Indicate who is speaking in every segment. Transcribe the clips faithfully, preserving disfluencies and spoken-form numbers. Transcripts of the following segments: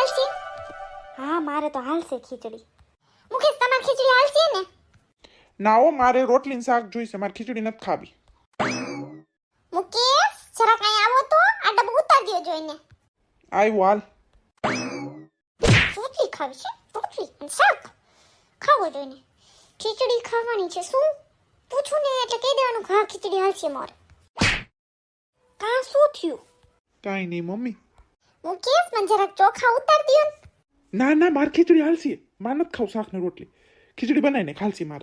Speaker 1: હાલશે?
Speaker 2: હા મારે તો હાલશે ખીચડી.
Speaker 1: મુકેશ તમારે ખીચડી હાલશે ને?
Speaker 3: ના હો, મારે રોટલી ને શાક જોઈશે, મારે ખીચડી નથી ખાવી.
Speaker 1: મુકેશ જરાક અહીં આવો તો, આ ડબ્બો ઉતારી દ્યો જોઈને.
Speaker 3: આવ્યો હાલ.
Speaker 1: રોટલી ખાવી છે? રોટલી અને શાક ખાવો જોઈને. ખીચડી ખાવાની છે શું? પૂછું ને એટલે કહી દેવાનું કે હા ખીચડી હાલશે મારે. કા શું થયું?
Speaker 3: કાંઈ નહીં મમ્મી.
Speaker 1: મુકેશ મને જરાક ચોખા ઉતાર દ્યો ને.
Speaker 3: ના ના, મારે ખીચડી હાલશે. મારે નથી ખાવું શાક ને રોટલી. ખીચડી બનાવીને ખાલશી મારે.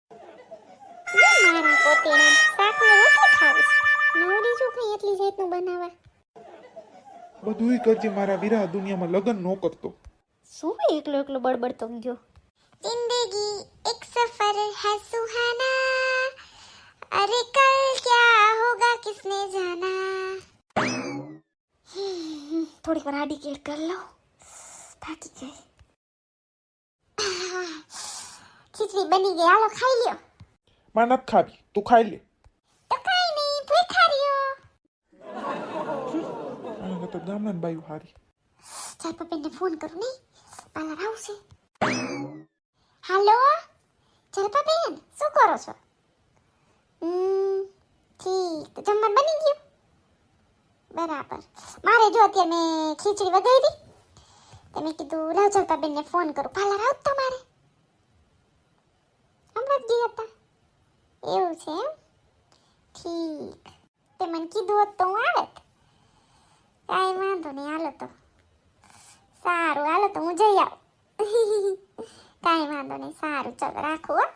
Speaker 1: મારા પોતીના શાક ને રોટલી ખાવી છે. નવરી જો કઈ એટલી જાતનું બનાવવા.
Speaker 3: બધુંય કરજે મારા વીરા, દુનિયામાં લગન નો કરતો.
Speaker 2: શું એકલો એકલો બળબડતો ગયો?
Speaker 1: जिंदगी एक सफर है सुहाना, अरे कल क्या होगा किसने जाना.
Speaker 2: થોડીક વાર આડી કેર કરી લો, થાકી ગઈ.
Speaker 1: ખીચડી બની ગઈ, હાલો ખાઈ લ્યો.
Speaker 3: મારે નથી ખાવી, તું ખાઈ લે.
Speaker 1: તો કઈ નહીં, ભૂખા રહ્યો.
Speaker 3: આને તો ગામડાની બાયું હારી.
Speaker 1: ચાલ પપ્પાને ફોન કરું નહીં, પાર્લર આવશે. હાલો જલપાબેન, શું કરો છો? હમ ઠીક, તો જમવાનું બની ગયું? બરાબર. મારે જો અત્યારે મેં ખીચડી વઘારી, તો મેં કીધું લાવ જલપાબેનને ફોન કરું. પાર્લર આવું તમારે? હમણાં જ ગયા હતા. એવું છે એમ? ઠીક, તે મને કીધું હોત તો હું આવત. કાંઈ વાંધો નહીં, હાલો તો સારું, હાલો તો હું જઈ આવું. કાંઈ વાંધો નહીં, સારું ચાલો રાખો હો.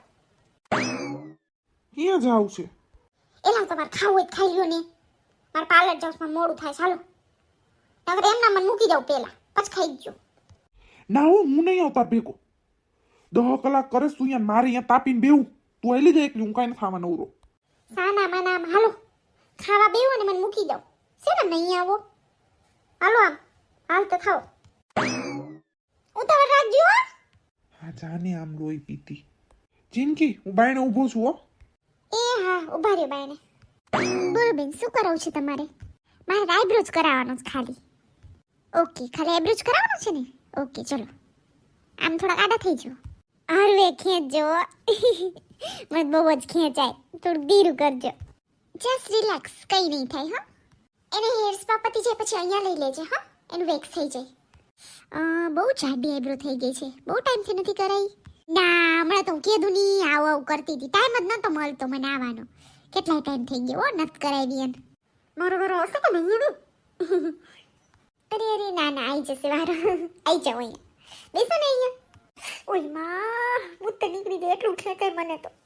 Speaker 3: ક્યાં જાવ છે?
Speaker 1: એલા તમારે ખાવું હોય તો ખાઈ લ્યો ને. મારે પાર્લર જાઉં મોડું થાય, ચાલો. નકર એમના મને મૂકી જાઉં પેલા, પછી ખાઈ ગયો.
Speaker 3: ના હો, હું નહીં આવતા ભેગો. દહ કલાક કરે તું અહીંયા, મારે અહીંયા તાપીને બેવું. તું આવી જાય એકલી, હું કાંઈ નથી ખાવા નવરો.
Speaker 1: સાના માના આમ હાલો, ખાવા બેવો ને મને મૂકી જાઉં. છે ને નહીં આવો? હાલો આમ, હાલ તો ખાઓ. ઉતાવળ રાખજો હો.
Speaker 3: હા જાને આમ લોહી પીતી. જિંદગી હું બાયણે ઊભો છું હો.
Speaker 1: એ હા, ઉભા રહ્યો બાયને. બોલો બેન, શું કરાવું છે તમારે? મારે આઈબ્રોઝ કરાવવાનો છે ખાલી. ઓકે, ખાલી આઈબ્રોઝ કરાવવાનો છે ને? ઓકે ચલો, આમ થોડા આડા થઈ જાઓ. હરવે ખેંચજો. મને બહુ જ ખેંચાય, થોડું ધીરું કરજો. જસ્ટ રિલેક્સ, કંઈ નહીં થાય હા. એને હેર સ્પા પતી જાય પછી અહીંયા લઈ લેજે હા, એનું વેક્સ થઈ જાય. અ બહુ જાડી આઈબ્રો થઈ ગઈ છે, બહુ ટાઈમથી નથી કરાઈ. ના હમણાં તો હું કીધું નહીં, આવું આવું કરતી હતી, ટાઈમ જ નહોતો મળતો મને આવવાનો. કેટલાય ટાઈમ થઈ ગયો નથી કરાવી એને. મારો વારો આવશે કે નહીં? અરે અરે ના ના, આવી જશે વારો. આવી જાઓ અહીંયા, બેસો ને અહીંયા. ઓય માં, હું તો નીકળી ગઈ, એટલું ખેંચાય મને તો.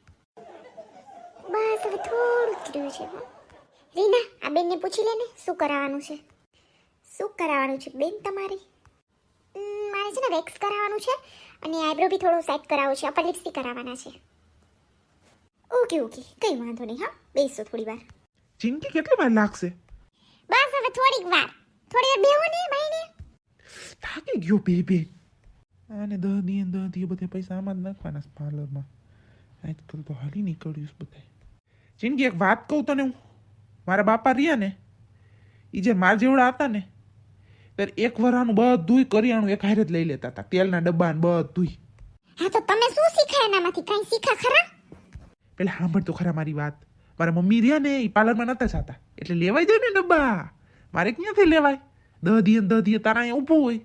Speaker 1: બસ હવે થોડું જ રહ્યું છે હો. રીના, આ બેનને પૂછી લે ને શું કરાવવાનું છે. શું કરાવવાનું છે બેન તમારે? મારે છે ને વેક્સ કરાવવાનું છે અને આઈબ્રો બી થોડો સેટ કરાવવો છે, અપર લિપ્સ બી કરાવવાના છે. ઓકે ઓકે, કંઈ વાંધો નહીં હા, બેસો થોડી વાર.
Speaker 3: જિંદગી કેટલી વાર લાગશે?
Speaker 1: બસ હવે થોડીક વાર, થોડી વાર બેહો ને ભાઈને.
Speaker 3: થાકી ગયો બે બે. આને દહ દી દહ દી બધે પૈસા આમાં જ નાખવાના છે પાર્લરમાં. આજકાલ તો હાલી નીકળ્યું છે બધા. જિંદગી એક વાત કહું તને, હું મારા બાપા રહ્યા ને, એ જે માર જેવડા હતા ને, ત્યારે એક વરાનું બધુંય કરિયાણું એક હારે જ લઈ લેતા હતા, તેલના ડબ્બા ને બધુંય.
Speaker 1: હા તો તમે શું શીખ્યા એનામાંથી? કાંઈ શીખા ખરા?
Speaker 3: પેલા સાંભળ તો ખરા મારી વાત. મારા મમ્મી રહ્યા ને એ પાર્લરમાં નતા જતા, એટલે લેવાઈ જાય ને ડબ્બા. મારે ક્યાંથી લેવાય? દહ દી દહ દી તારા અહીંયા ઊભું હોય.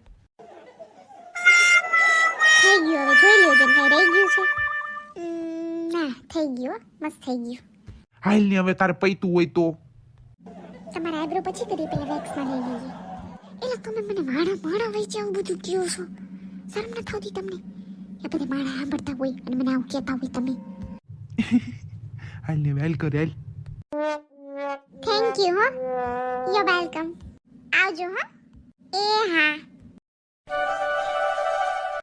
Speaker 1: થઈ ગયું, હવે જોઈ લેજો ને કાંઈ રહી ગયું છે. ના થઈ ગયું, મસ્ત થઈ ગયું.
Speaker 3: હાલ ને હવે તારે પૈતું હોય તો
Speaker 1: તમારા આઈબ્રો પછી કરી, પેલા વેક્સમાં લઈ લઈએ. એટલે તમે મને માણા માણા વહી જાવ બધું કહો છો, શરમ ન થતી તમને? એ બધા માણા સાંભળતા હોય અને મને આવું કહેતા હોય તમે.
Speaker 3: હાલ ને વેલ કર હાલ.
Speaker 1: થેન્ક યુ હો, યુ વેલકમ. આવજો હા. એ હા.